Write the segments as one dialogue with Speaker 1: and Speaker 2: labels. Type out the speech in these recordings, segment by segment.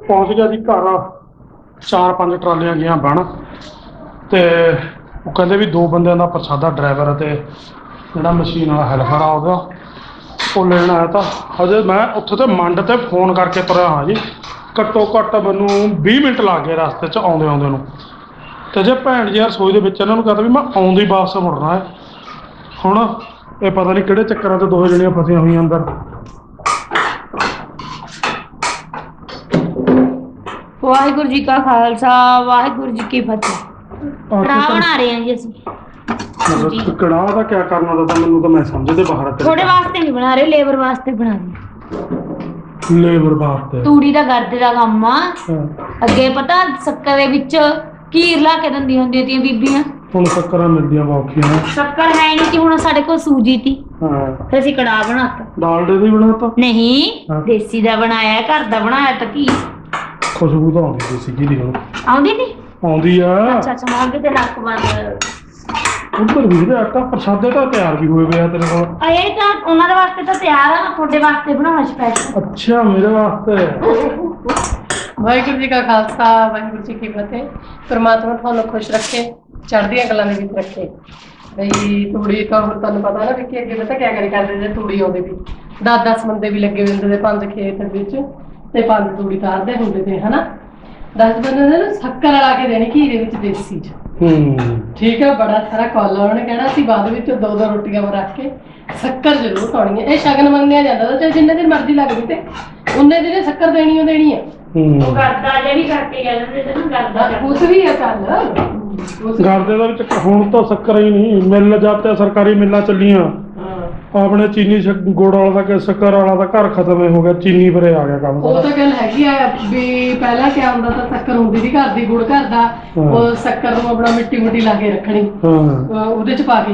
Speaker 1: पहुंच गया जी घर 4-5 ट्रालियां गई बन तो वो कहते भी 2 बंदों का प्रसादा ड्राइवर तो जोड़ा मशीन वाला हेल्पर आ गया वो लेना आया था हजे मैं उत्थे तो मंड ते फोन करके तुरया हाँ जी घट्टो घट्ट मैनू 20 मिनट लग गए रस्ते च आउंदे आउंदे नूं ते जे भैन जी रसोई दे विच इन्हां नूं कहता भी मैं आउंदी वापस मुड़ना है हुण ये पता नहीं किहड़े चक्करां ते 2 जणियां फसियां होईयां अंदर।
Speaker 2: वाहिगुरू जी का खालसा वाहिगुरू जी की फतेह। कड़ाह बना रहे हैं जी ਅਸੀਂ
Speaker 1: मतलब कड़ाह का क्या करना था मैनू तो मैं समझदे बाहर
Speaker 2: थोड़े वास्ते नहीं बना रहे लेबर वास्ते बना रहे
Speaker 1: लेबर वास्ते
Speaker 2: तूड़ी ਦਾ ਗਰਦੇ ਦਾ ਕੰਮ ਆ ਅੱਗੇ ਪਤਾ ਸ਼ੱਕਰ ਦੇ ਵਿੱਚ ਕੀਰ ਲਾ ਕੇ ਦਿੰਦੀਆਂ ਹੁੰਦੀਆਂ ਤੀਆਂ ਬੀਬੀਆਂ
Speaker 1: ਹੁਣ ਸ਼ੱਕਰਾਂ ਮਿਲਦੀਆਂ ਔਖੀਆਂ
Speaker 2: ਸ਼ੱਕਰ ਹੈ ਨਹੀਂ ਕਿ ਹੁਣ ਸਾਡੇ ਕੋਲ ਸੂਜੀ ਤੀ
Speaker 1: ਹਾਂ
Speaker 2: ਫਿਰ ਅਸੀਂ ਕੜਾਹ ਬਣਾਤਾ
Speaker 1: ਡਾਲਡੇ ਦਾ ਹੀ ਬਣਾਤਾ
Speaker 2: ਨਹੀਂ ਦੇਸੀ ਦਾ ਬਣਾਇਆ ਘਰ ਦਾ ਬਣਾਇਆ ਤਾਂ ਕੀ
Speaker 1: ਖੁਸ਼ਬੂ ਤਾਂ ਆਉਂਦੀ ਸੀ ਕੀ ਦੀ ਹੁਣ
Speaker 2: ਆਉਂਦੀ ਨਹੀਂ
Speaker 1: ਆਉਂਦੀ ਆ
Speaker 2: ਅੱਛਾ ਅੱਛਾ ਮਾਂਗੇ ਤੇ ਨੱਕ ਬੰਦ
Speaker 1: ਉੱਧਰ ਵੀ ਦੇ ਆਟਾ ਪ੍ਰਸ਼ਾਦੇ ਤਾਂ ਤਿਆਰ ਵੀ ਹੋਏ ਪਿਆ ਤੇਰੇ ਕੋਲ
Speaker 2: ਇਹ ਤਾਂ ਉਹਨਾਂ ਦੇ ਵਾਸਤੇ ਤਾਂ ਤਿਆਰ ਆ ਤੁਹਾਡੇ ਵਾਸਤੇ ਬਣਾਉਣਾ ਸਪੈਸ਼ਲ
Speaker 1: ਅੱਛਾ ਮੇਰੇ ਵਾਸਤੇ
Speaker 3: ਵਾਹਿਗੁਰੂ ਜੀ ਕਾ ਖਾਲਸਾ ਵਾਹਿਗੁਰੂ ਜੀ ਕੀ ਫਤਿਹ। ਪਰਮਾਤਮਾ ਤੁਹਾਨੂੰ ਖੁਸ਼ ਰੱਖੇ ਚੜ੍ਹਦੀਆਂ ਕਲਾਂ ਦੇ ਵਿੱਚ ਰੱਖੇ। ਬਈ ਤੂੜੀ ਤਾਂ ਹੁਣ ਤੁਹਾਨੂੰ ਪਤਾ ਨਾ ਕਿ ਅੱਗੇ ਪਤਾ ਕਿਆ ਕਰੀ ਕਰਦੇ ਜੇ ਤੂੜੀ ਆਉਂਦੀ ਵੀ 10-10 ਬੰਦੇ ਵੀ ਲੱਗੇ ਹੁੰਦੇ ਨੇ 5 ਖੇਤ ਵਿੱਚ ਤੇ 5 ਤੂੜੀ ਤਾਰਦੇ ਹੁੰਦੇ ਤੇ ਹਨਾ 10 ਬੰਦੇ ਨੇ ਨਾ ਸ਼ੱਕਰ ਲਾ ਕੇ ਦੇਣੀ ਘੀ ਦੇ ਵਿੱਚ ਦੇਸੀ ਚ ਠੀਕ ਹੈ ਬੜਾ ਸਾਰਾ ਕਾਲਾ ਉਹਨੇ ਕਹਿਣਾ ਅਸੀਂ ਬਾਅਦ ਵਿੱਚ 2-2 ਰੋਟੀਆਂ ਰੱਖ ਕੇ ਸ਼ੱਕਰ ਜ਼ਰੂਰ ਪਾਉਣੀ ਹੈ। ਇਹ ਸ਼ਗਨ ਮੰਨਿਆ ਜਾਂਦਾ ਤਾਂ ਚਾਹੇ ਜਿੰਨੇ ਦਿਨ ਮਰਜ਼ੀ ਲੱਗਦੀ ਤੇ ਉਹਨੇ ਦਿਨੇ ਸ਼ੱਕਰ ਦੇਣੀ ਓ ਦੇਣੀ ਆ।
Speaker 2: ਉਹ ਕਰਦਾ ਜੇ ਵੀ ਕਰਕੇ ਕਹਿੰਦੇ ਤੇ ਨਾ ਕਰਦਾ
Speaker 3: ਕੁਛ ਵੀ ਹੈ ਚੱਲ
Speaker 1: ਗਰਦੇ ਦਾ ਵਿੱਚ ਹੁਣ ਤਾਂ ਸ਼ੱਕਰ ਹੀ ਨਹੀਂ ਮਿਲ ਜਾਂਦੇ ਸਰਕਾਰੀ ਮਿੱਲਾਂ ਚੱਲੀਆਂ ਆਪਣੇ ਚੀਨੀ ਗੁੜ ਵਾਲਾ ਦਾ ਕਿ ਸ਼ੱਕਰ ਵਾਲਾ ਦਾ ਘਰ ਖਤਮ ਹੋ ਗਿਆ ਚੀਨੀ ਪਰੇ ਆ ਗਿਆ ਕੰਮ
Speaker 3: ਉਹ ਤਾਂ ਗੱਲ ਹੈਗੀ ਆ ਵੀ ਪਹਿਲਾਂ ਕਿਆ ਹੁੰਦਾ ਤਾਂ ਸ਼ੱਕਰ ਹੁੰਦੀ ਸੀ ਘਰ ਦੀ ਗੁੜ ਘਰ ਦਾ ਉਹ ਸ਼ੱਕਰ ਨੂੰ ਆਪਣਾ ਮਿੱਟੀ ਲਾ ਕੇ ਰੱਖਣੀ ਉਹਦੇ ਚ ਪਾ ਕੇ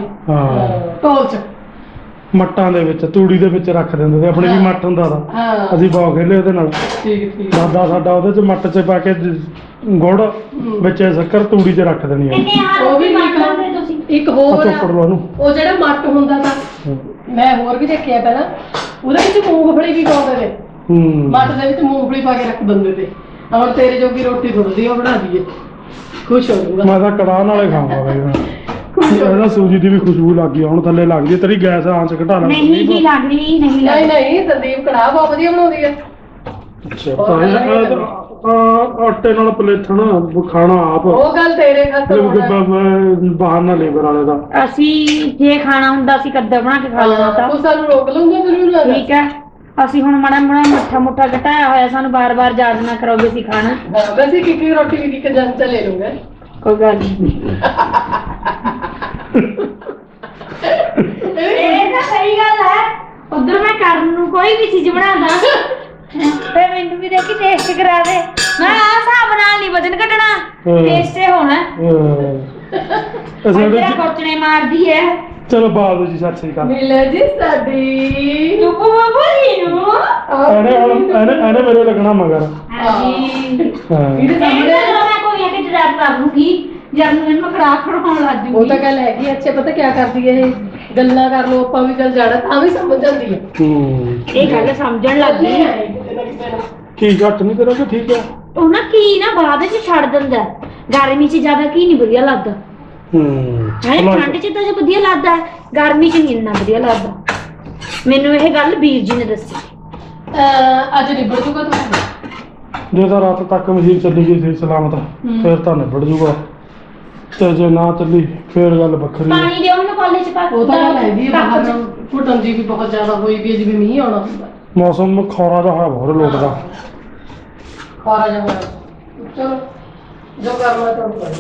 Speaker 3: ਢੋਲ ਚ
Speaker 1: ਮੱਟਾਂ ਦੇ ਵਿੱਚ ਤੂੜੀ ਦੇ ਵਿੱਚ ਰੱਖ ਦਿੰਦੇ ਤੇ ਆਪਣੇ ਵੀ ਮੱਟ ਹੁੰਦਾ ਦਾ ਅਸੀਂ ਬਹੁਤ ਖੇਲੇ ਉਹਦੇ ਨਾਲ
Speaker 3: ਠੀਕ
Speaker 1: ਦਾਦਾ ਸਾਡਾ ਉਹਦੇ ਚ ਮੱਟ ਚ ਪਾ ਕੇ ਗੁੜ ਵਿੱਚ ਸ਼ੱਕਰ ਤੂੜੀ ਚ ਰੱਖ ਦੇਣੀ ਆ
Speaker 3: ਉਹ ਵੀ
Speaker 2: ਤੁਸੀਂ
Speaker 3: ਇੱਕ ਹੋਰ
Speaker 1: ਚੋਪੜ ਲਓ ਉਹਨੂੰ
Speaker 3: ਉਹ ਜਿਹੜਾ ਮੱਟ ਹੁੰਦਾ ਤਾਂ ਮੈਂ ਹੋਰ ਵੀ ਦੇਖਿਆ ਪਹਿਲਾਂ ਉਹਦੇ ਵਿੱਚ ਮੂੰਗਫਲੀ ਵੀ ਪਾਉਂਦੇ ਨੇ ਮੱਟ ਦੇ ਵਿੱਚ ਮੂੰਗਫਲੀ ਪਾ ਕੇ ਰੱਖ ਦਿੰਦੇ ਤੇ ਹੁਣ ਤੇਰੇ ਜੋਗੀ ਰੋਟੀ ਥੋੜੀ ਉਹ ਬਣਾ ਦਈਏ ਖੁਸ਼ ਹੋ ਜਾਊਗਾ
Speaker 1: ਮੈਂ ਤਾਂ ਕੜਾਹ ਨਾਲੇ ਖਾਵਾਂਗਾ ਬਈ ਇਹਦਾ ਸੂਜੀ ਦੀ ਵੀ ਖੁਸ਼ਬੂ ਲੱਗ ਗਈ ਹੁਣ ਥੱਲੇ ਲੱਗਦੀ ਤੇਰੀ ਗੈਸ ਆਂਚ ਘਟਾ ਲੈ
Speaker 2: ਨਹੀਂ ਜੀ ਲੱਗ ਰਹੀ
Speaker 3: ਨਹੀਂ ਸੰਦੀਪ ਕੜਾਹ ਬਹੁਤ ਵਧੀਆ ਬਣਾਉਂਦੀ ਹੈ।
Speaker 1: ਆਟੇ ਨਾਲ ਪਲੇਥਣ ਖਾਣਾ ਆਪ
Speaker 3: ਉਹ ਗੱਲ ਤੇਰੇ
Speaker 1: ਬਾਹਰ ਨਾ ਲੇਬਰ ਵਾਲੇ ਦਾ
Speaker 2: ਅਸੀਂ ਜੇ ਖਾਣਾ ਹੁੰਦਾ ਅਸੀਂ ਕੱਦਾ ਬਣਾ ਕੇ ਖਾ ਲੈਣਾ ਤਾਂ
Speaker 3: ਤੂੰ ਸਾਨੂੰ ਰੋਕ ਲਊਂਗਾ ਜ਼ਰੂਰ
Speaker 2: ਠੀਕ ਹੈ ਅਸੀਂ ਹੁਣ ਮਾੜਾ ਮੱਠਾ ਘਟਾਇਆ ਹੋਇਆ ਸਾਨੂੰ ਬਾਰ-ਬਾਰ ਯਾਦ ਨਾ ਕਰੋਗੇ ਅਸੀਂ ਖਾਣਾ
Speaker 3: ਵੈਸੇ ਕਿ ਰੋਟੀ ਵੀ ਇੱਕ ਜਨ ਚ ਲੈ ਲੂੰਗਾ
Speaker 2: ਕੋਈ ਗੱਲ ਨਹੀਂ ਇਹ ਤਾਂ ਸਹੀ ਗੱਲ ਹੈ ਉਧਰ ਮੈਂ ਕਰਨ ਨੂੰ ਕੋਈ ਵੀ ਚੀਜ਼ ਬਣਾਦਾ ਤੇ ਮੈਨੂੰ ਵੀ ਦੇਖੀ ਟੇਸਟ ਕਰਾ ਦੇ ਮੈਂ ਆ ਹਿਸਾਬ ਨਾਲ ਨਹੀਂ ਵਜਨ ਘਟਣਾ ਟੇਸਟ ਹੋਣਾ
Speaker 1: ਅਸੀਂ
Speaker 2: ਕੋਚਣੇ ਮਾਰਦੀ ਹੈ।
Speaker 1: ਚਲੋ ਬਾਬੂ ਜੀ ਸਤਿ ਸ੍ਰੀ ਅਕਾਲ
Speaker 3: ਮਿਲ ਜੀ ਸਾਡੀ
Speaker 2: ਚੁੱਪ ਬੋਲੀ ਨੂੰ
Speaker 1: ਇਹਨੇ ਮੇਰੇ ਲੱਗਣਾ ਮਗਰ
Speaker 2: ਹਾਂਜੀ
Speaker 3: ਇਹਦੇ ਸਾਹਮਣੇ
Speaker 2: ਮੈਂ ਕੋਈ ਇਹ ਕਿ ਡਰਾਈਵ ਕਰ ਲੂੰਗੀ ਜਦ ਮੈਨੂੰ ਕੜਾਹ ਖੜਾਉਣ ਲੱਗ ਜੂਗੀ
Speaker 3: ਉਹ ਤਾਂ ਗੱਲ ਹੈਗੀ ਅੱਛਾ ਪਤਾ ਕੀ ਕਰਦੀ ਹੈ ਇਹ ਗੱਲਾਂ ਕਰ ਲੋ ਆਪਾਂ ਵੀ ਚੱਲ ਜਾਣਾ ਤਾਂ ਵੀ ਸਮਝ ਜਾਂਦੀ ਹੈ
Speaker 2: ਇਹ ਗੱਲ ਸਮਝਣ ਲੱਗ ਗਈ
Speaker 1: ਕੀ ਘੱਟ ਨਹੀਂ ਕਰੋਗੇ ਠੀਕ ਹੈ
Speaker 2: ਉਹ ਨਾ ਕੀ ਨਾ ਬਾਅਦ ਵਿੱਚ ਛੱਡ ਦਿੰਦਾ ਗਰਮੀ 'ਚ ਜ਼ਿਆਦਾ ਕੀ ਨਹੀਂ ਵਧੀਆ ਲੱਗਦਾ ਠੰਡ 'ਚ ਤਾਂ ਜੇ ਵਧੀਆ ਲੱਗਦਾ ਗਰਮੀ 'ਚ ਨਹੀਂ ਇੰਨਾ ਵਧੀਆ ਲੱਗਦਾ ਮੈਨੂੰ ਇਹ ਗੱਲ ਵੀਰ ਜੀ ਨੇ ਦੱਸੀ
Speaker 3: ਅੱਜ ਨਿਬੜ ਜੂਗਾ ਤੂੰ
Speaker 1: ਜੇ ਤਾਂ ਰਾਤ ਤੱਕ ਮਸ਼ੀਨ ਚੱਲੀ ਗਈ ਸੀ ਸਲਾਮਤ ਫਿਰ ਤਾਂ ਨਿਬੜ ਜੂਗਾ ਤੇ ਜੇ ਨਾ ਚੱਲੀ ਫਿਰ ਗੱਲ ਵੱਖਰੀ ਹੈ
Speaker 2: ਪਾਣੀ ਦਿਓ ਮੈਨੂੰ ਕਾਲਜ 'ਚ ਪਾ
Speaker 3: ਉਹ ਤਾਂ ਗੱਲ ਹੈਗੀ ਬਾਹਰ ਘੁੱਟਣ ਜੀ ਵੀ ਬਹੁਤ ਜ਼ਿਆਦਾ ਹੋਈ ਵੀ ਜਿਵੇਂ ਮੀਂਹ ਆਉਣਾ ਹੁੰਦਾ
Speaker 1: ਮੌਸਮ ਖੌਰਾ ਜਿਹਾ ਹੋਇਆ ਬਹੁਤ ਲੋਟਦਾ
Speaker 3: ਖੌਰਾ ਜਿਹਾ ਹੋਇਆ ਚਲੋ ਜੋ ਕਰਨਾ ਤੁਹਾਨੂੰ ਕਰੋ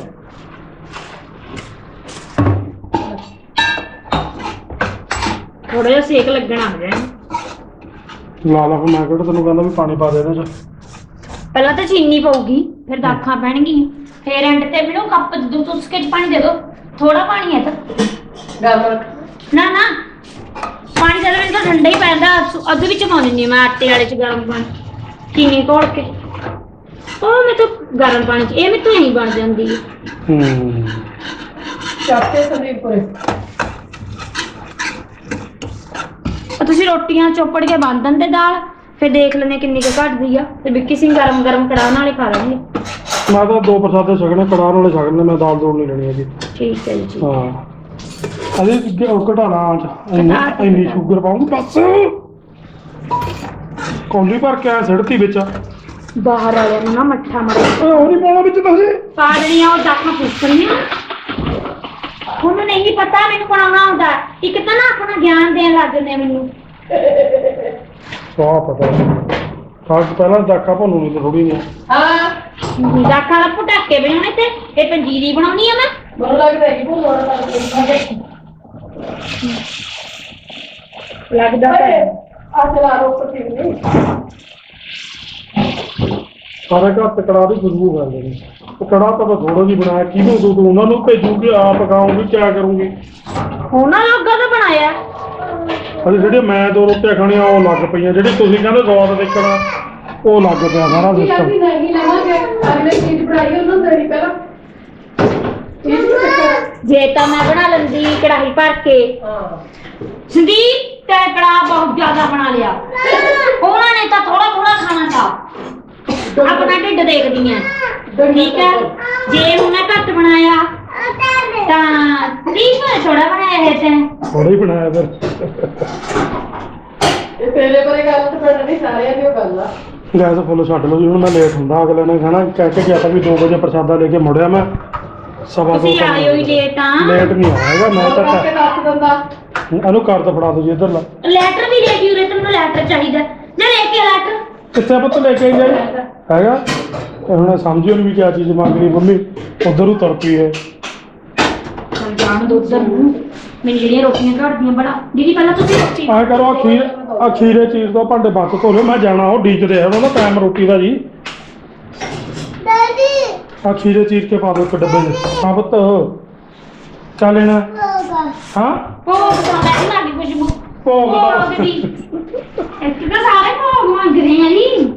Speaker 2: ਥੋੜਾ ਜਿਹਾ ਸੇਕ ਲੱਗਣਾ ਆ ਜਾਏ
Speaker 1: ਲਾ ਲਾ ਮੈਂ ਕਿਹੜਾ ਤੈਨੂੰ ਕਹਿੰਦਾ ਵੀ ਪਾਣੀ ਪਾ ਦੇ ਇਹਦੇ ਚ
Speaker 2: ਪਹਿਲਾਂ ਤਾਂ ਚੀਨੀ ਪਊਗੀ ਫਿਰ ਦਾਖਾਂ ਪੈਣਗੀਆਂ ਫਿਰ ਐਂਡ ਤੇ ਮੈਨੂੰ ਕੱਪ ਦੋ ਚੁਸਕੇ ਚ ਪਾਣੀ ਦੇ ਦਿਓ ਥੋੜਾ ਪਾਣੀ ਹੈ ਤਾਂ
Speaker 3: ਗੱਲ
Speaker 2: ਨਾ ਪਾਣੀ ਜ਼ਿਆਦਾ ਮੈਨੂੰ ਤਾਂ ਠੰਡਾ ਹੀ ਪੈਂਦਾ ਅੱਧ ਵਿੱਚ ਪਾ ਦਿੰਦੀ ਮੈਂ ਆਟੇ ਵਾਲੇ ਚ ਗਰਮ ਪਾਣੀ ਚੀਨੀ ਘੋਲ ਕੇ ਉਹ ਮੈਂ ਤਾਂ ਗਰਮ ਪਾਣੀ ਚ ਇਹ ਮੈਨੂੰ ਨਹੀਂ ਬਣ ਜਾਂਦੀ
Speaker 3: ਚਾਹਤੇ ਸੰਦੀਪ ਕੋਲੇ
Speaker 2: ਤੁਸੀਂ ਰੋਟੀਆਂ ਚੋਪੜ ਕੇ ਬੰਨ ਦਿੰਦੇ ਦਾਲ ਫਿਰ ਦੇਖ ਲੈਣੇ ਕਿੰਨੀ ਕੁ ਘਟਦੀ ਆ ਤੇ ਵਿੱਕੀ ਸਿੰਘ ਗਰਮ ਗਰਮ ਕੜਾਹ ਨਾਲੇ ਖਾ ਲੈਣਗੇ।
Speaker 1: ਮੈਂ ਤਾਂ 2 ਪ੍ਰਸਾਦੇ ਛਕਣੇ, ਕੜਾਹ ਨਾਲੇ ਛਕਣੇ, ਮੈਂ ਦਾਲ ਦੂਲ ਨਹੀਂ ਲੈਣੀ ਹੈਗੀ।
Speaker 2: ਠੀਕ ਹੈ ਜੀ ਠੀਕ।
Speaker 1: ਹਾਂ ਅਜੇ ਘਟਾਣਾ ਆਂਚ ਇੰਨੀ ਸ਼ੂਗਰ ਪਾਉਂਗੀ ਬਸ। ਕੌਲੀ ਭਰ ਕੇ ਆਇਆ ਸਿੜਤੀ ਵਿੱਚ।
Speaker 2: ਬਾਹਰ ਵਾਲਿਆਂ ਨੂੰ ਨਾ ਮੱਠਾ ਮਾਰ
Speaker 1: ਉਹ ਨਹੀਂ ਪਾਉਣਾ ਵਿੱਚ ਤੁਸੀਂ।
Speaker 2: ਪਾ ਦੇਣੀਆਂ ਉਹ ਦਾਖਾਂ ਪੁੱਛਣੀਆਂ। ਉਹਨੂੰ ਨਹੀਂ ਪਤਾ ਮੈਨੂੰ ਬਣਾਉਣਾ ਹੁੰਦਾ। ਇੱਕ ਤਾਂ ਨਾ ਆਪਣਾ ਗਿਆਨ ਦੇਣ ਲੱਗ ਜਾਂਦੇ ਆ ਮੈਨੂੰ।
Speaker 1: ਸਵਾਹ ਪਤਾ ਖਾਸ ਪਹਿਲਾਂ ਦਾਖਾ ਭੁੰਨੂ ਨਹੀਂ ਥੋੜੀ ਨਹੀਂ।
Speaker 3: ਹਾਂ
Speaker 2: ਦਾਖਾਂ ਦਾ ਪਟਾਕੇ ਬਣਾਉਣੇ ਤੇ ਇਹ ਪੰਜੀਰੀ ਬਣਾਉਣੀ ਆ ਮੈਂ।
Speaker 3: ਮੈਨੂੰ ਲੱਗਦਾ ਹੈ ਕਿ ਭੁੱਲਣਾ ਲੱਗਦਾ
Speaker 2: ਲੱਗਦਾ ਤਾਂ ਹੈ।
Speaker 3: ਆ ਚਲਾ ਰੋ ਉੱਪਰ ਠੀਕ ਨਹੀਂ
Speaker 1: ਸਾਰੇ ਘਰ ਤੇ ਕੜਾਹ ਦੀ ਖੁਸ਼ਬੂ ਕਰਦੇ ਨੇ। ਉਹ ਕੜਾਹ ਤਾਂ ਮੈਂ ਥੋੜਾ ਜਿਹੀ ਬਣਾਇਆ, ਕਿਹਨੂੰ ਦੂੰ ਉਹਨਾਂ ਨੂੰ ਭੇਜੂਗੀ, ਆਪ ਖਾਊਂਗੀ, ਕਿਆ ਕਰੂੰਗੀ।
Speaker 2: ਉਹਨਾਂ ਲੋਕਾਂ ਦਾ ਬਣਾਇਆ।
Speaker 1: ਅਜੇ ਜਿਹੜੀਆਂ ਮੈਂ 2 ਰੋਟੀਆਂ ਖਾਣੀਆਂ ਉਹ ਲੱਗ ਪਈਆਂ, ਜਿਹੜੀ ਤੁਸੀਂ ਕਹਿੰਦੇ ਸਵਾਦ ਦੇਖਣਾ ਉਹ ਲੱਗ ਪਿਆ ਸਾਰਾ
Speaker 3: ਕੀ
Speaker 1: ਸਿਸਟਮ।
Speaker 3: ਲੱਗੀ ਨਹੀਂ ਲਵਾਂਗੇ ਅਗਲੇ ਚੀਜ਼ ਬਣਾਈ ਉਹਨਾਂ ਨੂੰ ਦੇਣੀ ਪਹਿਲਾਂ ਇਹ ਵੀ ਚੱਕਰ।
Speaker 2: ਜੇ ਤਾਂ ਮੈਂ ਬਣਾ ਲੈਂਦੀ ਕੜਾਹੀ ਭਰ ਕੇ।
Speaker 3: ਹਾਂ
Speaker 2: ਸੰਦੀਪ ਤੇ ਕੜਾਹ ਬਹੁਤ ਜ਼ਿਆਦਾ ਬਣਾ ਲਿਆ। ਉਹਨਾਂ ਨੇ ਤਾਂ ਥੋੜਾ ਥੋੜਾ ਖਾਣਾ ਥਾ। ਆਪਣਾ ਢਿੱਡ ਦੇਖਦੀ ਆ। ਠੀਕ ਹੈ ਜੇ ਹੁਣ ਮੈਂ ਘੱਟ ਬਣਾਇਆ ਤਾਂ ਸੰਦੀਪ ਥੋੜਾ ਬਣਾਇਆ ਹੈ ਤੈਂ।
Speaker 1: ਥੋੜਾ ਹੀ ਬਣਾਇਆ ਫਿਰ।
Speaker 3: ਇਹ ਤੇਰੇ ਬਾਰੇ ਗੱਲ ਤਾਂ ਪਿੰਡ ਨਹੀਂ ਸਾਰਿਆਂ ਦੀ ਉਹ ਗੱਲ ਆ।
Speaker 1: ਗੈਸ ਫੁੱਲ ਛੱਡ ਲਓ ਜੀ, ਹੁਣ ਮੈਂ ਲੇਟ ਹੁੰਦਾ। ਅਗਲੇ ਨੇ ਕਹਿਣਾ ਕਹਿ ਕੇ ਗਿਆ ਤਾਂ ਵੀ 2 ਵਜੇ ਪ੍ਰਸ਼ਾਦਾ ਲੈ ਕੇ ਮੁੜਿਆ ਮੈਂ। ਸਵਾ 2
Speaker 2: ਤੁਸੀਂ ਆਏ ਹੋਈ ਲੇਟ ਆ।
Speaker 1: ਲੇਟ ਨਹੀਂ ਆਇਆ ਹੈਗਾ ਮੈਂ
Speaker 3: ਉਹ ਕਰਕੇ
Speaker 1: ਤਾਂ।
Speaker 3: ਦੱਸ ਦਿੰਦਾ
Speaker 1: ਇਹਨੂੰ ਕਰ ਤਾਂ ਫੜਾ ਦੋ ਜੀ ਇੱਧਰ ਲਾ।
Speaker 2: ਲੈਟਰ ਵੀ ਲੈ ਕੇ ਉਰੇ ਤੈਨੂੰ ਲੈਟਰ ਚਾਹੀਦਾ ਜਾਂ ਲੈ ਕੇ ਲੈਟਰ।
Speaker 1: ਕਿੱਥੇ ਪੁੱਤ ਲੈ ਕੇ ਜਾਈ ਹੈਗਾ। ਇਹ ਹੁਣ ਸਮਝਿਓ ਨਹੀਂ ਵੀ ਕਿਆ ਚੀਜ਼ ਮੰਗਣੀ ਮੰਮੀ। ਉਧਰ ਨੂੰ ਤੁਰ ਪਈ ਹੈ।
Speaker 2: ਚੱਲ ਜਾਣ ਦੋ ਉਧਰ ਨੂੰ। ਮੈਨੂੰ ਜਿਹੜੀਆਂ ਰੋਟੀਆਂ ਘੜਦੀਆਂ ਬੜਾ ਦੀਦੀ ਪਹਿਲਾਂ ਤੁਸੀਂ ਰੋਟੀ
Speaker 1: ਆ ਕਰੋ ਆ ਖੀਰੇ ਚੀਜ਼ ਤੋਂ ਭਾਂਡੇ ਬੱਤ ਧੋ ਲਿਓ। ਮੈਂ ਜਾਣਾ ਉਹ ਡੀਕਦੇ ਆ ਉਹਨਾਂ ਦਾ ਟਾਈਮ ਰੋਟੀ ਦਾ ਜੀ। ਆ ਖੀਰੇ ਚੀਰ ਕੇ ਪਾ ਦਿਓ ਇੱਕ ਡੱਬੇ 'ਚ। ਹਾਂ ਪੁੱਤ ਕਿਆ ਲੈਣਾ ਹਾਂ
Speaker 2: ਭੋਗ ਤਾਂ ਮੈਂ ਲੱਗੀ ਖੁਸ਼ਬੂ।
Speaker 1: ਭੋਗ ਦਾ
Speaker 2: ਦੀ ਇੱਕ ਤਾਂ ਸਾਰੇ ਭੋਗ ਮੰਗ ਰਹੇ ਆ ਜੀ।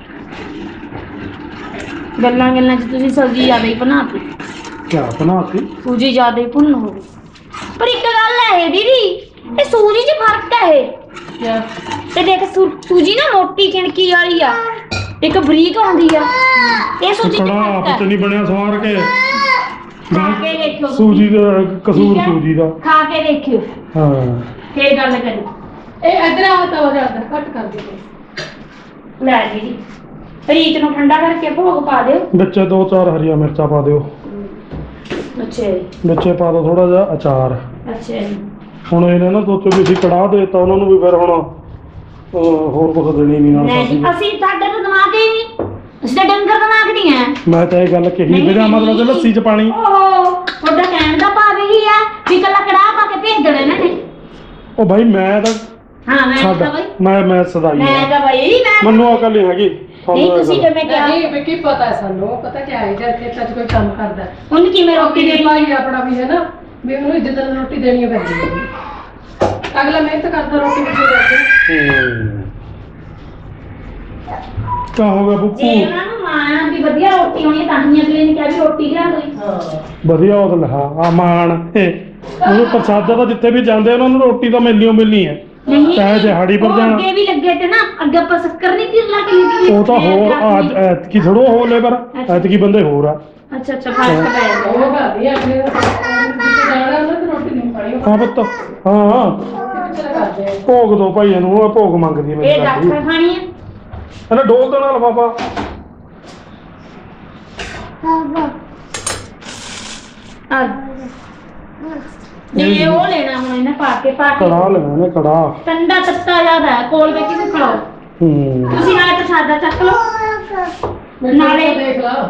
Speaker 2: ਗੱਲਾਂ ਗੱਲਾਂ 'ਚ ਤੁਸੀਂ ਸਬਜ਼ੀ ਜ਼ਿਆਦਾ ਹੀ ਬਣਾਤੀ।
Speaker 1: ਕਿਆ ਬਣਾਤੀ।
Speaker 2: ਸੂਜੀ ਜ਼ਿਆਦਾ ਹੀ ਭੁੰਨ ਹੋ ਗਈ। ਪਰ ਇੱਕ ਗੱਲ ਹੈ ਦੀਦੀ ਇਹ ਸੂਜੀ 'ਚ ਫਰਕ ਹੈ ਇਹ।
Speaker 3: ਕਿਆ
Speaker 2: ਤੇ ਦੇਖ ਸੂਜੀ ਨਾ ਮੋਟੀ ਕਿਣਕੀ ਵਾਲੀ ਆ, ਇੱਕ ਬਰੀਕ ਆਉਂਦੀ ਆ। ਇਹ ਸੂਜੀ 'ਚ
Speaker 1: ਕੜਾ
Speaker 2: ਫਰਕ
Speaker 1: ਆਪ ਚ
Speaker 2: ਹੈ।
Speaker 1: ਨਹੀਂ ਬਣਿਆ ਸਵਾਰ ਕੇ।
Speaker 2: ਖਾ ਕੇ ਦੇਖਿਓ ਤੁਸੀਂ।
Speaker 1: ਸੂਜੀ ਦਾ ਕਸੂਰ
Speaker 2: ਠੀਕ ਹੈ?
Speaker 1: ਸੂਜੀ ਦਾ।
Speaker 2: ਖਾ ਕੇ ਦੇਖਿਓ
Speaker 1: ਹਾਂ
Speaker 2: ਫੇਰ ਗੱਲ ਕਰੀ।
Speaker 3: ਇਹ ਇੱਧਰ ਆ ਤਾਂ ਹੋ ਜਾਂਦਾ ਘੱਟ ਕਰ ਦੇ
Speaker 2: ਲੈ ਦੀਦੀ ਰੀਤ ਨੂੰ ਠੰਡਾ ਕਰਕੇ ਭੋਗ ਪਾ ਦਿਓ।
Speaker 1: ਵਿੱਚ 2-4 ਹਰੀਆਂ ਮਿਰਚਾਂ ਪਾ ਦਿਓ।
Speaker 2: ਅੱਛਾ ਜੀ
Speaker 1: ਵਿੱਚੇ ਪਾ ਦਿਓ ਥੋੜਾ ਜਿਹਾ ਅਚਾਰ।
Speaker 2: ਅੱਛਾ ਜੀ। ਹੁਣ
Speaker 1: ਹੁਣ ਇਹਨੇ ਨਾ ਸੋਚੋ ਵੀ ਅਸੀਂ ਕੜਾਹ ਦੇਤਾ ਉਹਨਾਂ ਨੂੰ ਵੀ ਫਿਰ ਹੁਣ ਹੋਰ ਕੁਝ ਦੇਣੀ ਨਹੀਂ ਨਾਲ
Speaker 2: ਨਹੀਂ ਜੀ
Speaker 1: ਸਬਜ਼ੀ।
Speaker 2: ਅਸੀਂ ਸਾਡੇ ਤੋਂ ਦਿਮਾਗ ਹੀ ਨਹੀਂ। ਅਸੀਂ ਤਾਂ ਡੰਗਰ ਦਿਮਾਗ ਨਹੀਂ ਆ।
Speaker 1: ਮੈਂ ਤਾਂ ਇਹ ਗੱਲ ਕਹੀ ਵੀ ਮਤਲਬ ਕਿ ਲੱਸੀ ਚ ਪਾਣੀ।
Speaker 2: ਓਹੋ ਤੁਹਾਡਾ ਕਹਿਣ ਦਾ ਭਾਵ ਇਹੀ ਆ ਵੀ ਕੱਲਾ ਕੜਾਹ ਪਾ ਕੇ ਭੇਜ ਦੇਣਾ ਇਹਨਾਂ ਨੇ।
Speaker 1: ਉਹ ਭਾਈ ਮੈਂ ਤਾਂ
Speaker 2: ਹਾਂ ਮੈਂ
Speaker 1: ਛੱਡ
Speaker 2: ਤਾਂ ਬਈ
Speaker 1: ਮੈਂ ਸਦਾਈ
Speaker 2: ਮੈਂ
Speaker 1: ਆ।
Speaker 2: ਤਾਂ ਬਈ ਮੈਂ
Speaker 1: ਮੈਨੂੰ ਅਕਲ ਨਹੀਂ ਹੈਗੀ।
Speaker 2: ਨਹੀਂ ਤੁਸੀਂ ਜਿਵੇਂ ਕਿਹਾ
Speaker 3: ਨਹੀਂ ਵੀ ਕੀ ਪਤਾ ਹੈ ਸਾਨੂੰ ਪਤਾ ਕੀ ਹੈ ਜਦ ਖੇਤਾਂ 'ਚ ਕੋਈ ਕੰਮ ਕਰਦਾ
Speaker 2: ਉਹਨੂੰ ਕਿਵੇਂ ਰੋਟੀ
Speaker 3: ਰੋਟੀ
Speaker 2: ਦੇਣੀ।
Speaker 3: ਭਾਈ ਆਪਣਾ ਵੀ ਹੈ ਨਾ ਵੀ ਉਹਨੂੰ ਇੱਜ਼ਤ ਨਾਲ ਰੋਟੀ ਦੇਣੀ ਪੈਂਦੀ ਹੈ। ਅਗਲਾ ਮਿਹਨਤ ਕਰਦਾ ਰੋਟੀ ਵੀ ਦੇ
Speaker 1: ਕਿਆ ਹੋ ਗਿਆ
Speaker 2: ਜੇ
Speaker 1: ਬੁੱਕੂ।
Speaker 2: ਉਹਨਾਂ ਨੂੰ ਮਾਣ ਵੀ ਵਧੀਆ ਰੋਟੀ ਹੋਣੀ ਤਾਂ ਹੀ ਅਗਲੇ ਨੇ ਕਿਹਾ ਵੀ ਰੋਟੀ ਲਿਆ ਦੋ।
Speaker 3: ਹਾਂ
Speaker 1: ਵਧੀਆ ਉਹ ਤਾਂ ਲਿਖਾ ਆ ਮਾਣ ਉਹ ਪ੍ਰਸਾਦਾ ਤਾਂ ਜਿੱਥੇ ਵੀ ਜਾਂਦੇ ਉਹਨਾਂ ਨੂੰ ਰੋਟੀ ਤਾਂ ਮਿਲਣੀ ਹੈ।
Speaker 2: ਨਹੀਂ
Speaker 1: ਚਾਹੇ ਦਿਹਾੜੀ ਪਰ
Speaker 2: ਉਹ
Speaker 1: ਜਾਣਾ।
Speaker 2: ਅੱਗੇ ਵੀ ਲੱਗੇ ਤੇ ਨਾ ਅੱਗੇ ਆਪਾਂ ਸ਼ੱਕਰ ਨਹੀਂ ਕਿਰਲਾ ਕੇ ਲੱਗੀ।
Speaker 1: ਉਹ ਤਾਂ ਹੋਰ ਅੱਜ ਐਤਕੀ ਥੋੜੋ ਹੋ ਲੇਬਰ ਐਤਕੀ ਬੰਦੇ ਹੋਰ ਆ।
Speaker 2: ਅੱਛਾ ਅੱਛਾ ਫਰਕ ਪੈ ਜਾਂਦਾ।
Speaker 3: ਉਹ ਕਰਦੀ ਹੈ ਫਿਰ ਜਿੱਥੇ ਜਾਣਾ ਉਹਨਾਂ ਤੇ ਰੋਟੀ ਨਹੀਂ ਖਾਣੀ ਉਹ
Speaker 1: ਹਾਂ ਪੁੱਤ ਹਾਂ
Speaker 3: ਪਿੱਛੇ ਕਰਦੇ ਆ
Speaker 1: ਭੋਗ ਦੋ ਭਾਈ ਇਹਨੂੰ। ਉਹ ਭੋਗ ਮੰਗਦੀ ਹੈ ਮੇਰੀ
Speaker 2: ਇਹ
Speaker 1: ਲਾਡੀ।
Speaker 2: ਦਾਖਾ ਖਾਣੀ ਆ।
Speaker 1: ਇਹਨੇ ਡੋਲ ਦੇਣਾ ਲਫਾਫਾ।
Speaker 2: ਆ ਇਹ ਉਹ ਲੈਣਾ ਹੁਣ ਇਹਨੇ ਪਾ ਕੇ
Speaker 1: ਕੜਾਹ ਲੈਣਾ ਇਹਨੇ ਕੜਾਹ।
Speaker 2: ਠੰਡਾ ਤੱਤਾ ਜ਼ਿਆਦਾ ਹੈ ਕੋਲ ਵਿੱਚ ਵੀ ਖੜਾਓ।
Speaker 1: ਹੂੰ
Speaker 2: ਤੁਸੀਂ ਨਾਲੇ ਪ੍ਰਸ਼ਾਦਾ ਚੱਕ ਲਓ
Speaker 3: ਨਾਲੇ ਦੇਖ ਲਾ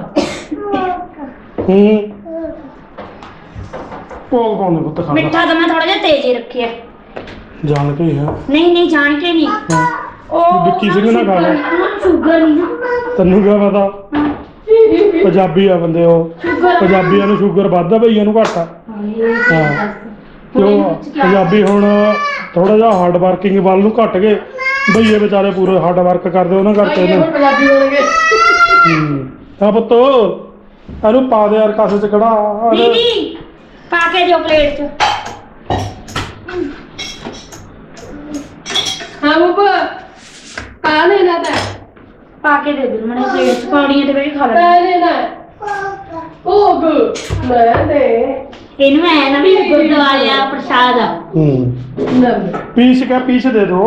Speaker 1: ਹੂੰ ਭੋਗ ਪਾਉਂਦੇ ਪੁੱਤ ਖਾਣਾ
Speaker 2: ਮਿੱਠਾ ਤਾਂ ਮੈਂ ਥੋੜਾ ਜਿਹਾ ਤੇਜ਼ ਹੀ ਰੱਖਿਆ।
Speaker 1: ਜਾਣ ਕੇ ਹੀ ਹੈ।
Speaker 2: ਨਹੀਂ ਜਾਣ ਕੇ ਨਹੀਂ।
Speaker 1: ਹਾਂ।
Speaker 2: ਉਹ
Speaker 1: ਵਿੱਕੀ ਸਿੰਘ ਨਾ ਖਾ ਲੈ।
Speaker 2: ਸ਼ੂਗਰ ਨਹੀਂ ਨਾ।
Speaker 1: ਤੈਨੂੰ ਕਿਆ ਪਤਾ ਪੰਜਾਬੀ ਆ ਬੰਦੇ ਉਹ। ਪੰਜਾਬੀਆਂ ਨੂੰ ਸ਼ੂਗਰ ਵੱਧ ਆ ਭਈਆਂ ਨੂੰ ਘੱਟ ਆ। ਹਾਂ ਕਿਉਂ ਪੰਜਾਬੀ ਹੁਣ ਥੋੜਾ ਜਿਹਾ ਹਾਰਡ ਵਰਕਿੰਗ ਵੱਲ ਨੂੰ ਘੱਟ ਗਏ। ਭਈਏ ਵਿਚਾਰੇ ਪੂਰੇ ਹਾਰਡ ਵਰਕ ਕਰਦੇ ਉਹਨਾਂ ਕਰਕੇ
Speaker 3: ਇਹ ਹੁਣ ਪੰਜਾਬੀ ਹੋਣਗੇ
Speaker 1: ਹਾਂ ਪੁੱਤ ਇਹਨੂੰ ਪਾ ਦੇ ਯਾਰ ਕਾਸੇ ਚ ਕੜਾ।
Speaker 2: ਦੀਦੀ ਪਾ ਕੇ ਦਿਓ ਪਲੇਟ 'ਚ।
Speaker 3: ਹਾਂ ਬੱਬਾ ਆ ਲੈਣਾ ਤਾਂ
Speaker 2: ਪਾ ਕੇ ਦੇ ਦੂੰ ਮਨੇ ਪਲੇਟ ਚ ਪੌੜੀਆਂ ਤੇ ਬੈਠ ਖਾ ਲੈ
Speaker 3: ਮੈਂ ਲੈਣਾ ਭੋਗ ਮੈਂ ਦੇ
Speaker 2: ਇਹਨੂੰ ਐ ਨਾ ਵੀ ਗੁਰਦੁਆਰੇ ਆ ਪ੍ਰਸ਼ਾਦ ਆ
Speaker 3: ਨਾ
Speaker 1: ਪੀਸ ਦੇ ਦੋ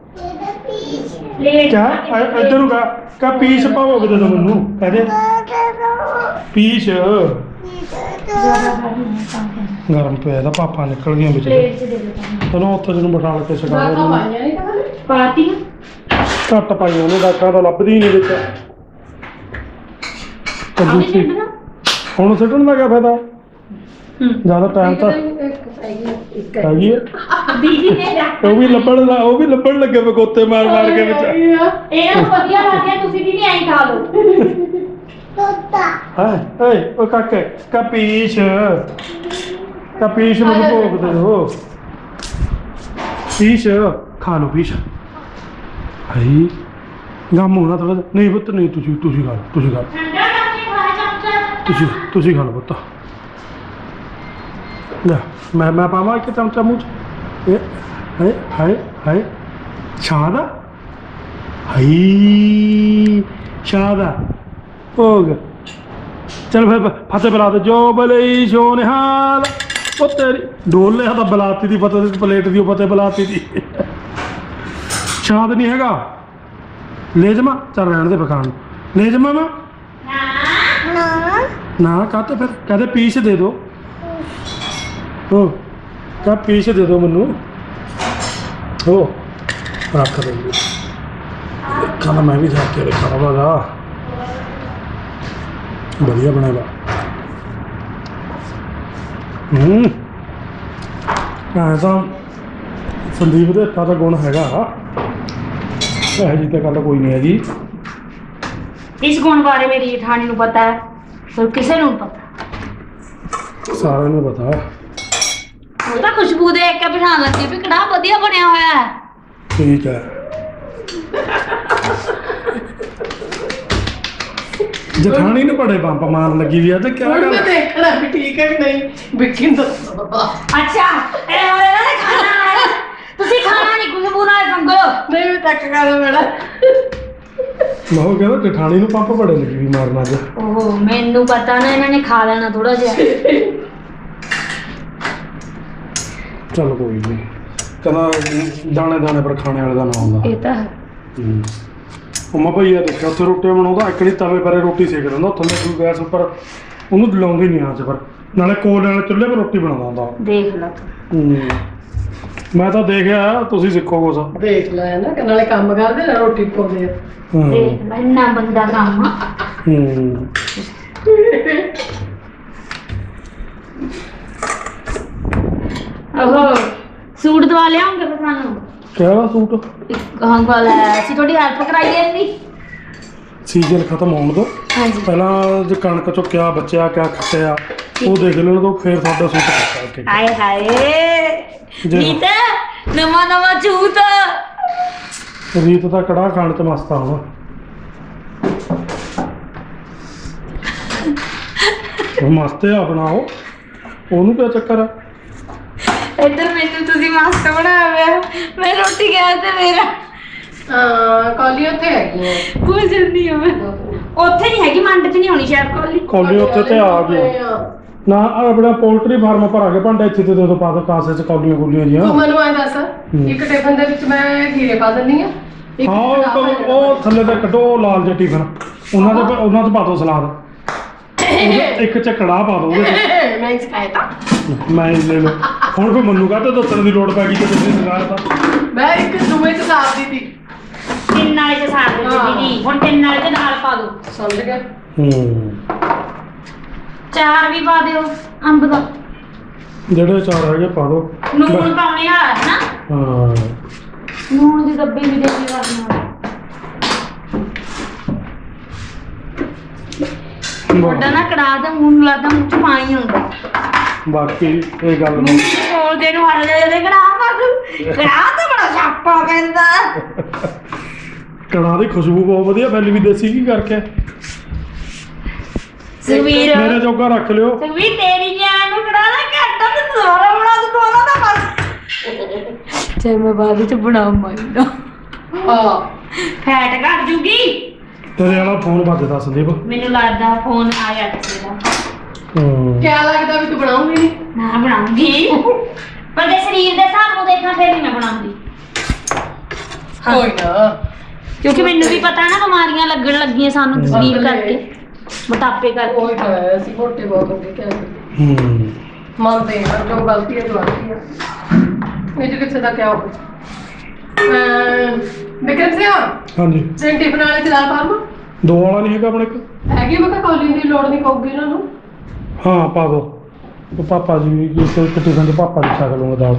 Speaker 2: ਪਲੇਟ
Speaker 1: ਕਿਆ ਇੱਧਰ ਨੂੰ ਕਾ ਪੀਸ ਭੋਗ ਦੇ ਦੋ ਮੈਨੂੰ ਕਹਦੇ ਪੀਸ ਗਰਮ ਪਿਆ ਦਾ ਪਾਪਾ ਨਿਕਲ ਗਿਆ ਵਿੱਚ
Speaker 2: ਪਲੇਟ ਚ ਦੇ ਦੋ
Speaker 1: ਤੈਨੂੰ ਉੱਥੇ ਜਿਹਨੂੰ ਬਿਠਾ ਕੇ ਛਡਾ
Speaker 3: ਨਾ
Speaker 1: ਦੇ
Speaker 3: ਪਾਈਆਂ ਨਹੀਂ ਤਾਂ
Speaker 2: ਪਾਤੀ
Speaker 1: ਘੱਟ ਪਾਈਆਂ ਉਹਨੇ ਡਾਕਟਰਾਂ ਤਾਂ ਲੱਭਦੀ ਨਹੀਂ ਵਿੱਚ ਤੇ
Speaker 2: ਆਉਣੀ
Speaker 1: ਦੂਸਰੀ
Speaker 2: ਛੱਡਣਾ
Speaker 1: ਹੁਣ ਸਿੱਟਣ ਦਾ ਕਿਆ ਫਾਇਦਾ ਜ਼ਿਆਦਾ ਟਾਈਮ ਤਾਂ
Speaker 3: ਇੱਕ
Speaker 1: ਹੈਗੀ ਹੈ
Speaker 2: ਦੀਦੀ ਨੇ ਰੱਖ
Speaker 1: ਉਹ ਵੀ ਲੱਭਣ ਲੱਗੇ ਬਗੋਤੇ ਮਾਰ ਕੇ ਵਿੱਚ
Speaker 2: ਇਹ ਵਧੀਆ ਲੱਗਿਆ ਤੁਸੀਂ ਵੀ ਐਂ ਖਾ ਲਓ
Speaker 1: ਹਾਂ ਓਏ ਉਹ ਕਾਕੇ ਕਪੀਸ਼ ਮੈਨੂੰ ਭੋਗ ਦੇ ਦੋ ਪੀਸ਼ ਖਾ ਲਓ ਪੀਸ਼ ਹਾਈ ਗਮ ਹੋਣਾ ਥੋੜਾ ਨਹੀਂ ਪੁੱਤ ਨਹੀਂ ਤੁਸੀਂ ਖਾ ਲਓ
Speaker 2: ਠੰਡਾ ਕਰਕੇ ਖਾ ਚਮਚਾ
Speaker 1: ਤੁਸੀਂ ਖਾ ਲਓ ਪੁੱਤ ਲੈ ਮੈਂ ਪਾਵਾਂ ਇੱਕ ਚਮਚਾ ਮੂੰਹ 'ਚ ਇਹ ਹਾਏ ਸ਼ਾਦ ਆ ਹਾਈ ਸ਼ਾਦ ਆ ਭੋਗ ਚਲ ਫਿਰ ਫਤਿਹ ਬੁਲਾ ਦੇ ਜੋ ਬਲਈ ਸੋ ਨਿਹਾਲ ਉਹ ਤੇਰੀ ਡੋਲ ਲਿਆ ਤਾਂ ਬੁਲਾਤੀ ਦੀ ਫਤਿਹ ਦੀ ਪਲੇਟ ਦੀ ਉਹ ਫਤਿਹ ਬੁਲਾਤੀ ਦੀ ਸ਼ਾਦ ਨਹੀਂ ਹੈਗਾ ਲੈ ਜਮਾ ਚੱਲ ਰਹਿਣ ਦੇ ਪਕਾਨ ਲੈ ਜਮਾ ਮੈਂ ਨਾ ਕਾਹਤੇ ਫਿਰ ਕਹਦੇ ਪੀਸ ਦੇ ਦੋ ਹੋ ਕਾ ਪੀਸ ਦੇ ਦੋ ਮੈਨੂੰ ਹੋ ਰੱਖ ਦੇ ਖਾਣਾ ਮੈਂ ਵੀ ਖਾ ਕੇ ਖਾਣਾ ਵਾਗਾ ਵਧੀਆ ਬਣਾਇਆ ਤਾਂ ਸੰਦੀਪ ਦੇ ਹੱਥਾਂ ਦਾ ਗੁਣ ਹੈਗਾ ਇਹ ਜੀ ਤਾਂ ਗੱਲ ਕੋਈ ਨਹੀਂ ਹੈਗੀ
Speaker 2: ਇਸ ਗੁਣ ਬਾਰੇ ਮੇਰੀ ਜਠਾਣੀ ਨੂੰ ਪਤਾ ਹੈ ਪਰ ਕਿਸੇ ਨੂੰ ਨਹੀਂ ਪਤਾ
Speaker 1: ਸਾਰਿਆਂ ਨੂੰ ਪਤਾ
Speaker 2: ਉਹ ਤਾਂ ਖੁਸ਼ਬੂ ਦੇਖ ਕੇ ਪਛਾਣ ਲੱਗੀ ਵੀ ਕੜਾ ਵਧੀਆ ਬਣਿਆ ਹੋਇਆ ਹੈ
Speaker 1: ਠੀਕ ਹੈ ਜਠਾਣੀ ਨੂੰ ਬੜੇ ਬੰਪ ਮਾਰਨ ਲੱਗੀ ਵੀ ਆ ਤੇ ਕਿਆ
Speaker 3: ਹੁਣ
Speaker 1: ਗੱਲ
Speaker 3: ਮੈਂ ਦੇਖਣਾ ਵੀ ਠੀਕ ਹੈ ਕਿ ਨਹੀਂ ਵਿੱਕੀ ਨੂੰ ਦੱਸੋ
Speaker 2: ਅੱਛਾ ਇਹ ਹੋਰ ਇਹਨਾਂ ਨੇ ਖਾਣਾ ਹੈ ਤੁਸੀਂ ਖਾਣਾ ਨਹੀਂ ਖੁਸ਼ਬੂ ਨਾਲ ਸੰਗੋ
Speaker 3: ਨਹੀਂ ਮੈਂ ਤੱਕ ਕਰਾਂ ਮੇਰਾ
Speaker 1: ਮੈਂ ਉਹ ਕਹਿੰਦਾ ਜਠਾਣੀ ਨੂੰ ਪੰਪ ਬੜੇ ਲੱਗੀ ਵੀ ਮਾਰਨ ਅੱਜ
Speaker 2: ਓਹੋ ਮੈਨੂੰ ਪਤਾ ਨਾ ਇਹਨਾਂ ਨੇ ਖਾ ਲੈਣਾ ਥੋੜਾ ਜਿਹਾ
Speaker 1: ਚੱਲ ਕੋਈ ਨਹੀਂ ਕਹਿੰਦਾ ਦਾਣੇ ਪਰ ਖਾਣੇ ਵਾਲੇ ਦਾ ਨਾ ਹੁੰਦਾ
Speaker 2: ਇਹ ਤਾਂ ਹੈ
Speaker 1: ਉਮਾ ਭਈਆ ਦੇਖਿਆ ਉੱਥੇ ਰੋਟੀਆਂ ਬਣਾਉਂਦਾ ਇੱਕ ਨਹੀਂ ਤਵੇ ਪਰੇ ਰੋਟੀ ਸੇਕ ਦਿੰਦਾ ਥੱਲੇ ਕੋਈ ਗੈਸ ਉੱਪਰ ਉਹਨੂੰ ਲਾਉਂਦੀ ਨਹੀਂ ਆਂਚ ਪਰ ਨਾਲੇ ਕੋਲ ਨਾਲ ਚੁੱਲ੍ਹੇ 'ਤੇ ਰੋਟੀ ਬਣਾਉਂਦਾ ਹੁੰਦਾ
Speaker 2: ਦੇਖ ਲਾ
Speaker 1: ਮੈਂ ਤਾਂ ਦੇਖਿਆ ਤੁਸੀਂ ਸਿੱਖੋ ਕੁਛ
Speaker 3: ਦੇਖ ਲੈ ਨਾ ਕਿ ਨਾਲੇ ਕੰਮ ਕਰਦੇ ਨਾ ਰੋਟੀ ਪਕਾਉਂਦੇ ਆ
Speaker 2: ਦੇਖ ਲੈ ਇੰਨਾ ਬੰਦਾ ਕੰਮ ਓਹੋ ਸੂਟ ਦਵਾ ਲਿਆਉਂਗੇ ਫਿਰ ਸਾਨੂੰ
Speaker 1: ਕਿਹੜਾ ਸੂਟ
Speaker 2: ਹਾਂ ਗੱਲ ਹੈ ਅਸੀਂ ਤੁਹਾਡੀ ਹੈਲਪ ਕਰਾਈਏ ਨਹੀਂ
Speaker 1: ਸੀਜ਼ਨ ਖਤਮ ਹੋਣ ਦੋ
Speaker 2: ਹਾਂਜੀ
Speaker 1: ਪਹਿਲਾਂ ਜੇ ਕਣਕ ਚੋਂ ਕਿਆ ਬਚਿਆ ਕਿਆ ਖੱਟਿਆ ਉਹ ਦੇਖ ਲੈਣ ਦੋ ਫਿਰ ਤੁਹਾਡਾ ਸੂਟ ਕੱਟਾ ਕੇ
Speaker 2: ਹਾਏ ਹਾਏ
Speaker 1: ਜੀ।
Speaker 2: ਰੀਤ ਨਵਾਂ ਝੂਠ
Speaker 1: ਰੀਤ ਦਾ ਕੜਾਹ ਖਾਣ ਤੇ ਮਸਤ ਆ ਹੁਣ ਉਹ ਮਸਤ ਆ ਬਣਾਓ ਉਹਨੂੰ ਕਿਆ ਚੱਕਰ ਆ
Speaker 2: ਇੱਧਰ ਮੈਨੂੰ ਤੁਸੀਂ ਮਾਸਟਰ ਬਣਾਇਆ ਹੋਇਆ ਮੈਂ ਰੋਟੀ ਖਾਇਆ ਤੇ ਮੇਰਾ
Speaker 3: ਕਾਲੀ ਉੱਥੇ ਹੈਗੀ ਹੈ
Speaker 2: ਕੁਝ ਨਹੀਂ ਹੋਵੇ ਉੱਥੇ ਨਹੀਂ ਹੈਗੀ ਮੰਡ 'ਚ ਨਹੀਂ ਹੋਣੀ ਸ਼ਾਇਦ ਕੋਲੀ
Speaker 1: ਕੌਲੀ ਉੱਥੇ ਤੇ ਆ ਗਈ ਨਾ ਆਹ ਆਪਣਾ ਪੋਲਟਰੀ ਫਾਰਮ ਭਰਾ ਕੇ ਭਾਂਡੇ ਇੱਥੇ ਤੇ ਦੇ ਦੋ ਪਾ ਦੋ ਕਾਸੇ ਚ ਕੌਲੀਆਂ ਗੁੱਲੀਆਂ ਜੀਆਂ
Speaker 3: ਤੂੰ ਮੈਨੂੰ ਐਂ ਦੱਸ ਇੱਕ ਟਿਫਨ ਦੇ ਵਿੱਚ ਮੈਂ ਖੀਰੇ ਪਾ ਦਿੰਦੀ ਆ
Speaker 1: ਹਾਂ ਉਹ ਥੱਲੇ ਤੇ ਕੱਢੋ ਉਹ ਲਾਲ ਜਿਹੇ ਟਿਫਨ ਉਹਨਾਂ ਚ ਪਾ ਦੋ ਸਲਾਦ ਇੱਕ ਚ ਕੜਾਹ ਪਾ ਦੋ ਉਹਦੇ ਚ
Speaker 3: ਮੈਂ ਸਿਖਾਇਆ ਤਾਂ
Speaker 1: ਮੈਂ ਲੈ ਲਓ ਹੁਣ ਫਿਰ ਮੈਨੂੰ ਕਾਹਤੇ ਦੱਸਣ ਦੀ ਲੋੜ ਪੈ ਗਈ ਕਿ ਤੁਸੀਂ ਸਿਖਾਇਆ ਤਾਂ
Speaker 3: ਮੈਂ ਇੱਕ ਦੂਏ ਚ ਸਾਫ ਦੀ ਤੀ
Speaker 2: ਤਿੰਨ ਵਾਲੇ 'ਚ ਸਾਰ ਦੇ ਦੀਦੀ ਹੁਣ ਤਿੰਨ ਵਾਲੇ 'ਚ ਨਾਲ ਪਾ ਦੋ
Speaker 3: ਸਮਝ ਗਿਆ
Speaker 2: ਚਾਰ ਵੀ ਪਾ ਦਿਓ ਅੰਬ ਦਾ
Speaker 1: ਜਿਹੜੇ ਚਾਰ ਹੈਗੇ ਪਾ ਦੋ
Speaker 2: ਨੂਣ ਪਾਉਣੇ ਆ ਨਾ
Speaker 1: ਹਾਂ
Speaker 2: ਨੂਣ ਦੀ ਡੱਬੀ ਵੀ ਦੇਣੀ ਕਰਨਾ ਵੱਡਾ ਨਾ ਕੜਾ ਦਾ ਮੂੰਹ ਨੂੰ ਲੱਗਦਾ ਮੂੰਹ 'ਚ ਪਾਣੀ ਹੁੰਦਾ
Speaker 1: ਬਾਕੀ ਇਹ ਗੱਲ ਨੂੰ
Speaker 2: ਕੋਲ ਦੇ ਨੂੰ ਹੱਲ ਦੇ ਕੜਾ ਕੜਾ ਤਾਂ ਬੜਾ ਛਾਪਾ ਪੈਂਦਾ
Speaker 1: ਕੜਾਹ ਦੀ ਖੁਸ਼ਬੂ ਬਹੁਤ ਵਧੀਆ ਫੈਲੀ ਵੀ ਦੇਸੀ ਕੀ ਕਰਕੇ
Speaker 2: ਸੁਵੀਰ
Speaker 1: ਮੇਰੇ ਜੋਗਾ ਰੱਖ ਲਿਓ
Speaker 2: ਸੁਵੀਰ ਤੇਰੀ ਜਾਨ ਨੂੰ ਕੜਾ ਨਾ ਘੱਟਾ ਤੇ ਦੁਬਾਰਾ ਬਣਾ ਦੂ ਦੋਨਾਂ ਦਾ ਬਸ ਚਾਹੇ ਮੈਂ ਬਾਅਦ ਵਿੱਚ ਬਣਾਉਂ ਮਾਈਂਦਾ
Speaker 3: ਹਾਂ
Speaker 2: ਫੈਟ ਘਟ ਜੂਗੀ।
Speaker 1: ਤੇਰੇ ਵਾਲਾ ਫੋਨ ਵੱਜਦਾ ਸੰਦੀਪ।
Speaker 2: ਮੈਨੂੰ ਲੱਗਦਾ ਫੋਨ ਆਇਆ ਕਿਸੇ ਦਾ।
Speaker 3: ਕਿਆ ਲੱਗਦਾ ਵੀ ਤੂੰ ਬਣਾਉਂਗੀ ਨਹੀਂ?
Speaker 2: ਮੈਂ ਬਣਾਉਂਗੀ ਪਰ ਜੇ ਸਰੀਰ ਦੇ ਹਿਸਾਬ ਨੂੰ ਦੇਖਾਂ ਫਿਰ ਨਹੀਂ ਮੈਂ ਬਣਾਉਂਦੀ।
Speaker 3: ਕੋਈ ਨਾ,
Speaker 2: ਕਿਉਂਕਿ ਮੈਨੂੰ ਵੀ ਪਤਾ ਨਾ ਬਿਮਾਰੀਆਂ ਲੱਗਣ ਲੱਗੀਆਂ ਸਾਨੂੰ ਸਰੀਰ ਕਰਕੇ, ਮੋਟਾਪੇ ਕਰਕੇ।
Speaker 3: ਕੋਈ ਤਾਂ ਹੈ, ਅਸੀਂ ਮੋਟੇ ਬਹੁਤ ਹੋ ਗਏ ਕਿਆ ਕਰੀਏ। ਮੰਨਦੇ ਹਾਂ ਜੋ ਗਲਤੀ ਹੈ ਗਲਤੀ ਹੈ, ਇਹ ਚ ਕਿਸੇ ਦਾ ਕਿਆ ਹੋ। ਵਿਕਰਮ ਸਿੰਘ
Speaker 1: ਹਾਂਜੀ
Speaker 3: ਸੈਂ ਟਿਫਨ ਵਾਲੇ ਚ ਦਾਲ ਪਾਵਾਂ?
Speaker 1: ਦੋ ਵਾਲਾ ਨਹੀਂ ਹੈਗਾ ਆਪਣੇ ਇੱਕ?
Speaker 3: ਹੈਗੀ, ਮੈਂ ਕਿਹਾ ਕੌਲੀ ਦੀ ਲੋੜ ਨਹੀਂ ਪਊਗੀ ਇਹਨਾਂ ਨੂੰ।
Speaker 1: ਹਾਂ ਪਾ ਦੋ। ਉਹ ਪਾਪਾ ਜੀ ਵੀ ਇੱਕ ਟਿਫਨ 'ਚ ਪਾਪਾ ਦੀ ਛਕ ਲੂੰਗਾ ਦਾਲ।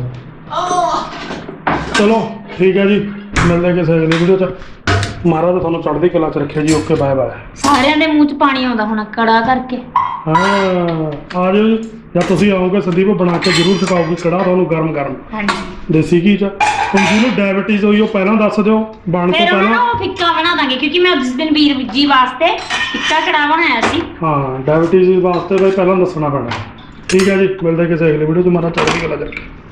Speaker 1: ਚਲੋ ਠੀਕ ਹੈ ਜੀ, ਮਿਲਦੇ ਕਿਸੇ ਅਗਲੀ ਵੀਡੀਓ 'ਚ। ਮਹਾਰਾਜ ਤੁਹਾਨੂੰ ਚੜ੍ਹਦੀ ਕਲਾ 'ਚ ਰੱਖਿਆ ਜੀ। Okay bye bye.
Speaker 2: ਸਾਰਿਆਂ ਦੇ ਮੂੰਹ 'ਚ ਪਾਣੀ ਆਉਂਦਾ ਹੋਣਾ ਕੜਾ ਕਰਕੇ।
Speaker 1: ਹਾਂ ਆ ਜਾਓ ਜੀ, ਜਾਂ ਤੁਸੀਂ ਆਓਗੇ ਸੰਦੀਪ ਬਣਾ ਕੇ ਜ਼ਰੂਰ ਸਿਖਾਓਗੇ ਕੜਾਹ ਤੁਹਾਨੂੰ ਗਰਮ ਗਰਮ
Speaker 2: ਹਾਂਜੀ
Speaker 1: ਦੇਸੀ ਘੀ 'ਚ। ਹੁਣ ਜਿਹਨੂੰ ਡਾਇਬਟੀਜ਼ ਹੋਈ ਉਹ ਪਹਿਲਾਂ ਦੱਸ ਦਿਓ ਬਣ ਤੋਂ
Speaker 2: ਫਿਰ ਉਹਨਾਂ
Speaker 1: ਪਹਿਲਾਂ।
Speaker 2: ਨੂੰ ਉਹ ਫਿੱਕਾ ਬਣਾ ਦਾਂਗੇ ਕਿਉਂਕਿ ਮੈਂ ਉਸ ਦਿਨ ਵੀਰ ਜੀ ਵਾਸਤੇ ਫਿੱਕਾ ਕੜਾ ਬਣਾਇਆ ਸੀ।
Speaker 1: ਹਾਂ ਡਾਇਬਟੀਜ਼ ਵਾਸਤੇ ਬਈ ਪਹਿਲਾਂ ਦੱਸਣਾ ਪੈਣਾ। ਠੀਕ ਹੈ ਜੀ, ਮਿਲਦੇ ਕਿਸੇ ਅਗਲੀ ਵੀਡੀਓ 'ਚ। ਮਹਾਰਾਜ ਚੜ੍ਹਦੀ ਕਲਾ 'ਚ ਰੱਖੇ।